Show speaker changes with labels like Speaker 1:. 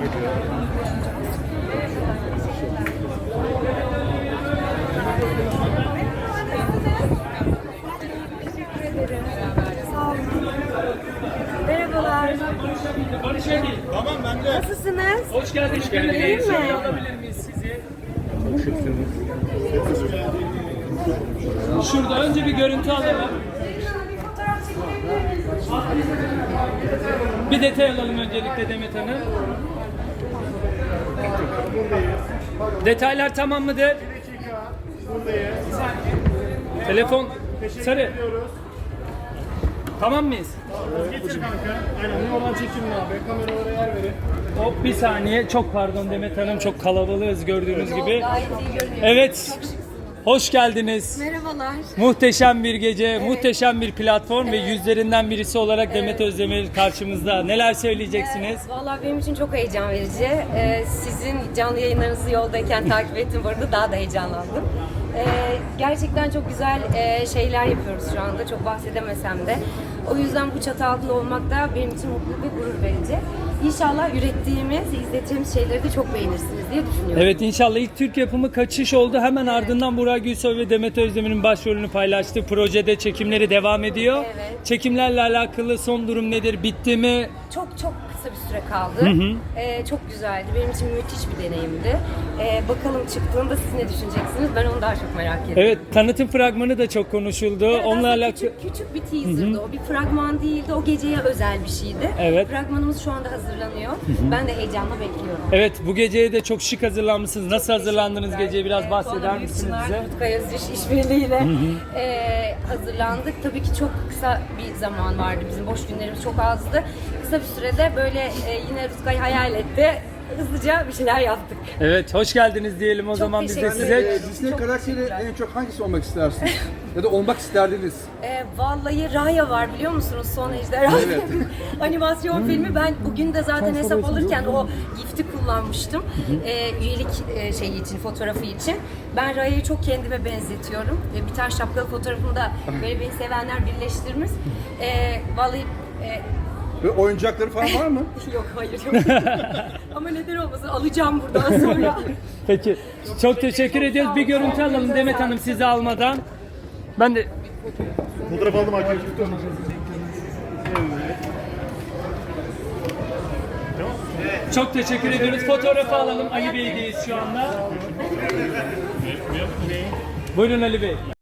Speaker 1: Sağ olun. Merhabalar.
Speaker 2: Barış Engin. Tamam ben de.
Speaker 1: Nasılsınız?
Speaker 2: Hoş geldiniz.
Speaker 1: İyi mi?
Speaker 2: Şöyle alabilir miyiz sizi? Şurada önce bir görüntü alalım. Bir detay alalım öncelikle Demet Hanım. Detaylar tamam mıdır? Telefon sarı. Tamam mıyız?
Speaker 3: Getir kanka. Aynen ne olan çekim abi. Kameralara yer verin.
Speaker 2: Hop bir saniye. Çok pardon Demet Hanım, çok kalabalığız gördüğünüz gibi.
Speaker 1: Gayet iyi görünüyor.
Speaker 2: Evet. Hoş geldiniz.
Speaker 1: Merhabalar.
Speaker 2: Muhteşem bir gece, muhteşem bir platform ve yüzlerinden birisi olarak Demet Özdemir karşımızda. Neler söyleyeceksiniz?
Speaker 1: Vallahi benim için çok heyecan verici. Sizin canlı yayınlarınızı yoldayken takip ettim. Bu arada daha da heyecanlandım. Gerçekten çok güzel şeyler yapıyoruz şu anda. Çok bahsedemesem de. O yüzden bu çatı altında olmak da benim için mutluluk ve gurur verici. İnşallah ürettiğimiz, izleteceğimiz şeyleri de çok beğenirsiniz diye düşünüyorum.
Speaker 2: Evet, inşallah ilk Türk yapımı Kaçış oldu. Hemen ardından Burak Gülsoy ve Demet Özdemir'in başrolünü paylaştı. Projede çekimleri devam ediyor.
Speaker 1: Evet.
Speaker 2: Çekimlerle alakalı son durum nedir? Bitti mi?
Speaker 1: Çok kısa bir süre kaldı. Çok güzeldi. Benim için müthiş bir deneyimdi. Bakalım çıktığında siz ne düşüneceksiniz? Ben onu daha çok merak ediyorum.
Speaker 2: Evet, tanıtım fragmanı da çok konuşuldu.
Speaker 1: Evet,
Speaker 2: Onunla
Speaker 1: aslında
Speaker 2: alakalı...
Speaker 1: küçük bir teaser'dı o. Bir fragman değildi. O geceye özel bir şeydi.
Speaker 2: Evet.
Speaker 1: Fragmanımız şu anda hazırlanıyor. Ben de heyecanla bekliyorum.
Speaker 2: Evet, bu geceye de çok şık hazırlanmışsınız. Nasıl hazırlandınız geceye? Biraz bahseder misiniz bize?
Speaker 1: Rutkay Özdiş işbirliğiyle hazırlandık. Tabii ki çok kısa bir zaman vardı. Bizim boş günlerimiz çok azdı. Kısa bir sürede böyle yine Rutkay hayal etti. Hızlıca bir şeyler yaptık.
Speaker 2: Evet, hoş geldiniz diyelim o zaman biz de
Speaker 1: teşekkür
Speaker 2: size.
Speaker 1: ederim.
Speaker 4: Disney
Speaker 1: Çok
Speaker 4: karakteri
Speaker 1: teşekkürler.
Speaker 4: en çok hangisi olmak istersiniz? Ya da olmak isterdiniz?
Speaker 1: Vallahi Raya var biliyor musunuz? Son Ejderha
Speaker 4: Evet.
Speaker 1: animasyon filmi. Ben bugün de zaten hesap alırken o gifti kullanmıştım. Üyelik şeyi için, fotoğrafı için. Ben Raya'yı çok kendime benzetiyorum. Bir tane şapkalı fotoğrafımda böyle beni sevenler birleştirmiş. Vallahi
Speaker 4: Ve oyuncakları falan var mı?
Speaker 1: yok hayır yok. Ama neden olmasın alacağım buradan sonra.
Speaker 2: Peki, çok teşekkür ediyoruz. Bir görüntü alalım Demet Hanım sizi almadan. Ben de
Speaker 3: Fotoğraf aldım arkadaşlar.
Speaker 2: çok teşekkür ediyoruz. Fotoğrafı alalım. Ali Bey'deyiz şu anda. Buyurun Ali Bey.